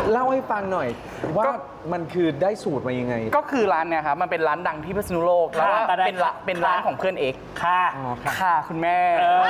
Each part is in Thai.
เล่าให้ฟังหน่อยว่ามันคือได้สูตรมายังไงก็คือร้านเนี่ยครับมันเป็นร้านดังที่พิษณุโลกแล้วก็เป็นร้านของเพื่อนเอกค่ะค่ะคุณแม่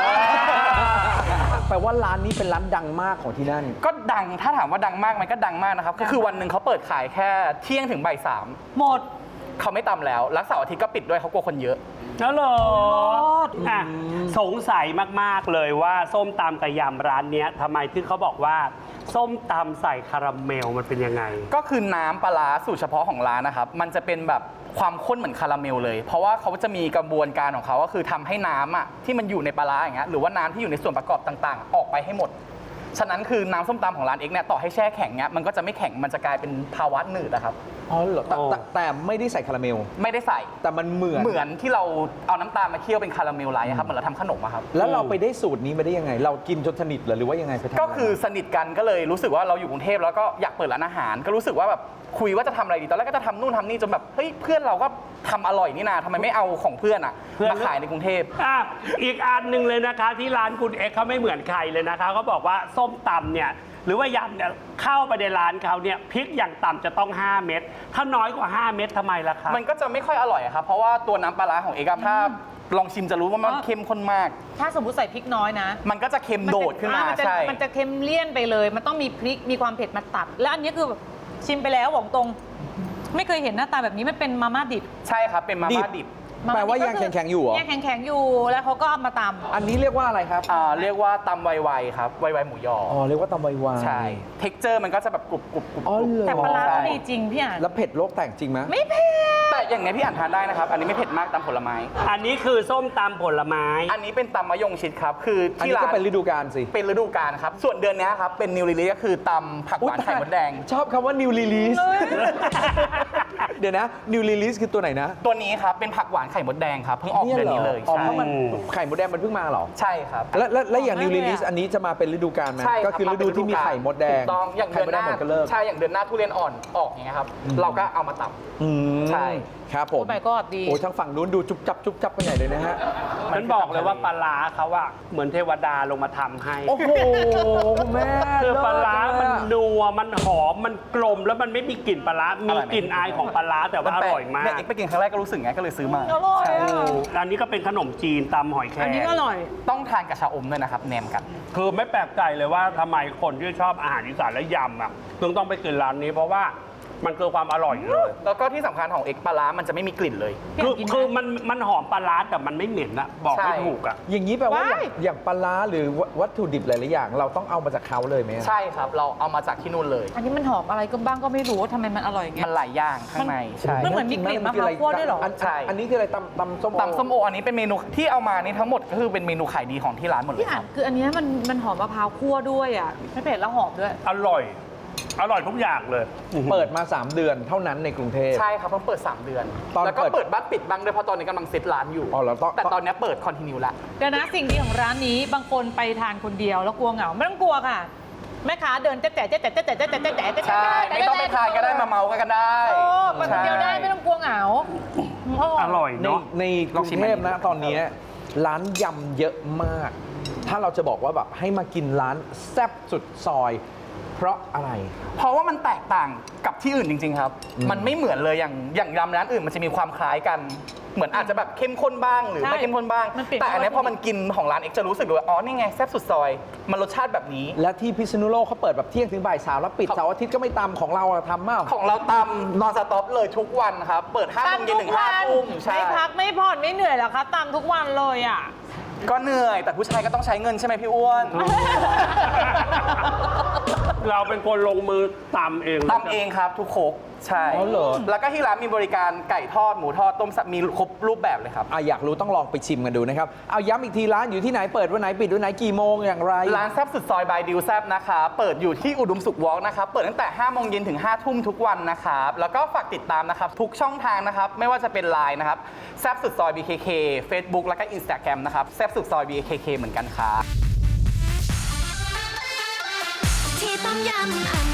แปลว่าร้านนี้เป็นร้านดังมากของที่นั่นก็ดังถ้าถามว่าดังมากมันก็ดังมากนะครับก็คือวันหนึ่งเขาเปิดขายแค่เที่ยงถึงบ่ายสามหมดเขาไม่ตำแล้วเสาร์อาทิตย์ก็ปิดด้วยเขากลัวคนเยอะแล้วเหรออ่ะสงสัยมากๆเลยว่าส้มตำกับยำร้านเนี้ยทำไมที่เขาบอกว่าส้มตำใส่คาราเมลมันเป็นยังไงก็คือน้ำปลาร้าสูตรเฉพาะของร้านนะครับมันจะเป็นแบบความข้นเหมือนคาราเมลเลยเพราะว่าเขาจะมีกระบวนการของเขาก็คือทำให้น้ำอ่ะที่มันอยู่ในปลาร้าอย่างเงี้ยหรือว่าน้ำที่อยู่ในส่วนประกอบต่างๆออกไปให้หมดฉะนั้นคือน้ำส้มตำของร้านเอกเนี่ยต่อให้แช่แข็งเนี้ยมันก็จะไม่แข็งมันจะกลายเป็นภาวะหนืดนะครับอ๋อเหรอแต่ไม่ได้ใส่คาราเมลไม่ได้ใส่แต่มันเหมือนที่เราเอาน้ำตาลมาเคี่ยวเป็นคาราเมลไลท์ครับเหมือนเราทำขนมครับแล้วเราไปได้สูตรนี้มาได้ยังไงเรากินจนสนิทหรือว่ายังไงไปทำก็คือสนิทกันก็เลยรู้สึกว่าเราอยู่กรุงเทพแล้วก็อยากเปิดร้านอาหารก็รู้สึกว่าแบบคุยว่าจะทำอะไรดีตอนแรกก็จะทำนู่นทำนี่จนแบบเฮ้ยเพื่อนเราก็ทำอร่อยนี่นาทำไมไม่เอาของเพื่อนมาขายในกรุงเทพอีกอันหนึ่งเลยนะคะที่ร้านคุณเอ็กเขาไม่เหมือนใครเลยนะคะเขาบอกว่าส้มตำเนี่ยหรือว่ายำเนี่ยเข้าไปในร้านเขาเนี่ยพริกอย่างต่ำจะต้อง5เม็ดถ้าน้อยกว่า5เม็ดทำไมล่ะคะมันก็จะไม่ค่อยอร่อยครับเพราะว่าตัวน้ำปลาร้าของเอกถ้าลองชิมจะรู้ว่ามันเข้มข้นมากถ้าสมมติใส่พริกน้อยนะมันก็จะเค็มโดดขึ้นมาใช่มันจะเค็มเลี่ยนไปเลยมันต้องมีพริกมีความเผ็ดมาตัดและอันนี้คือชิมไปแล้วบอกตรงไม่เคยเห็นหน้าตาแบบนี้มันเป็นมาม่าดิบใช่ครับเป็นมาม่าดิบแปลว่ายังแข็งๆอยู่เหรอยังแข็งๆอยู่แล้วเขาก็เอามาตำอันนี้เรียกว่าอะไรครับเรียกว่าตำไวๆครับไวๆหมูยอเรียกว่าตำไวๆใช่เท็กเจอร์มันก็จะแบบกรุบแต่ปลาร้าดีจริงพี่อ่านแล้วเผ็ดโลกแตกจริงไหมไม่เผ็ดแต่อย่างนี้พี่อ่านทานได้นะครับอันนี้ไม่เผ็ดมากตำผลไม้อันนี้คือส้มตำผลไม้อันนี้เป็นตำมะยงชิดครับคือที่ร้านก็เป็นฤดูกาลสิเป็นฤดูกาลครับส่วนเดือนนี้ครับเป็นนิวลิลิก็คือตำผักหวานไข่มดแดงชอบคำว่านิวลิลิสเดี๋ยวนะนิวลิลิสคือตัวไหนนะตัวนี้ครับเป็นผักหวานไข่มดแดงครับเพิ่งออกเดือนนี้เลยใช่เพราะมันไข่มดแดงมันเพิ่งมาเหรอใช่ครับแล้วอย่างนิวลิลิสอันนี้จะมาเป็นฤดูกาลไหมก็คือฤดูที่มีไข่มดแดงต้องอย่างเดือนหน้าใช่อย่างเดือนหน้าทุเรียนอ่อนออกอย่างเงี้ยครับเราก็เอามาตำใช่ครับผมโอ้ก็ดีโอ้ทั้งฝั่งนู้นดูจุ๊บจับไปไหนเลยนะฮะฉันบอกเลยว่าปลาร้าเขาอะเหมือนเทวดาลงมาทำให้โอ้โหแม่คือปลาร้ามันนัวมันหอมมันกลมแล้วมันไม่มีกลิ่นปลาร้ามีกลิ่นอายของปลาร้าแต่ว่าอร่อยมากเนี่ยไปกินครั้งแรกก็รู้สึกไงก็เลยซื้อมาอร่อยอันนี้ก็เป็นขนมจีนตำหอยแครงอันนี้ก็อร่อยต้องทานกับชาอมด้วยนะครับแหนมกันคือไม่แปลกใจเลยว่าทำไมคนที่ชอบอาหารอีสานและยำอะต้องไปกินร้านนี้เพราะว่ามันคือความอร่อยเลยแล้วก็ที่สำคัญของเอกปลาร้ามันจะไม่มีกลิ่นเลยคือมันหอมปลาร้าแต่มันไม่เหม็นอะบอกไม่ถูกอะอย่างนี้แปลว่าอย่างปลาร้าหรือวัตถุดิบหลายๆอย่างเราต้องเอามาจากเขาเลยไหมใช่ครับเราเอามาจากที่นู่นเลยอันนี้มันหอมอะไรก็บ้างก็ไม่รู้ว่าทำไมมันอร่อยอย่างเงี้ยมันหลายอย่างข้างในใช่มันเหมือนมีกลิ่นมะพร้าวคั่วด้วยหรอใช่อันนี้คืออะไรตำส้มโออันนี้เป็นเมนูที่เอามานี่ทั้งหมดก็คือเป็นเมนูขายดีของที่ร้านหมดเลยครับคืออันนี้มันหอมมะพร้าวคั่วด้วยอ่ะไม่เผ็ดแล้วหอมด้วยอร่อยทุกอย่างเลยเปิดมา3เดือนเท่านั้นในกรุงเทพใช่ครับเพิ่งเปิด3เดือนแล้วก็เปิดบ้านปิดบ้างด้วยเพราะตอนนี้กำลังเซตร้านอยู่แต่ตอนนี้เปิดคอนติเนียแล้วเดี๋ยวนะสิ่งดีของร้านนี้บางคนไปทานคนเดียวแล้วกลัวเหงาไม่ต้องกลัวค่ะแม่ค้าเดินแจ๊ะใช่ไม่ต้องไปทานก็ได้มาเมากันได้ไปคนเดียวได้ไม่ต้องกลัวเหงาอร่อยเนาะในกรุงเทพนะตอนนี้ร้านยำเยอะมากถ้าเราจะบอกว่าแบบให้มากินร้านแซ่บสุดซอยเพราะอะไรเพราะว่ามันแตกต่างกับที่อื่นจริงๆครับมันไม่เหมือนเลยอย่างยำร้านอื่นมันจะมีความคล้ายกันเหมือนอาจจะแบบเข้มข้นบ้างหรือไม่เข้มข้นบ้างแต่อันนี้พอมันกินของร้านเอกจะรู้สึกเลยว่าอ๋อนี่ไงแซ่บสุดซอยมันรสชาติแบบนี้และที่พิษณุโลกเขาเปิดแบบเที่ยงถึงบ่าย3แล้วปิดเสาร์อาทิตย์ก็ไม่ตำของเราทำมากของเราตำนอนสต็อปเลยทุกวันครับเปิด5 โมงเย็นถึง5 ทุ่มไม่พักไม่ผ่อนไม่เหนื่อยหรอคะตำทุกวันเลยอ่ะก็เหนื่อยแต่ผู้ชายก็ต้องใช้เงินใช่ไหมพี่อ้วนเราเป็นคนลงมือตำเองครับทุกโคกใช่แล้วก็ที่ร้านมีบริการไก่ทอดหมูทอดต้มมีครบรูปแบบเลยครับอยากรู้ต้องลองไปชิมกันดูนะครับเอาย้ำอีกทีร้านอยู่ที่ไหนเปิดวันไหนปิดวันไหนกี่โมงอย่างไรร้านแซ่บสุดซอยบายดิวแซ่บนะคะเปิดอยู่ที่อุดมสุขวอล์กนะครับเปิดตั้งแต่5 โมงเย็นถึง5 ทุ่มทุกวันนะครับแล้วก็ฝากติดตามนะครับทุกช่องทางนะครับไม่ว่าจะเป็น LINE นะครับแซ่บสุดซอย BKK Facebook แล้วก็ Instagram นะครับแซ่บสุดซอย BKK เหมือนกันครับที่ต้มยำ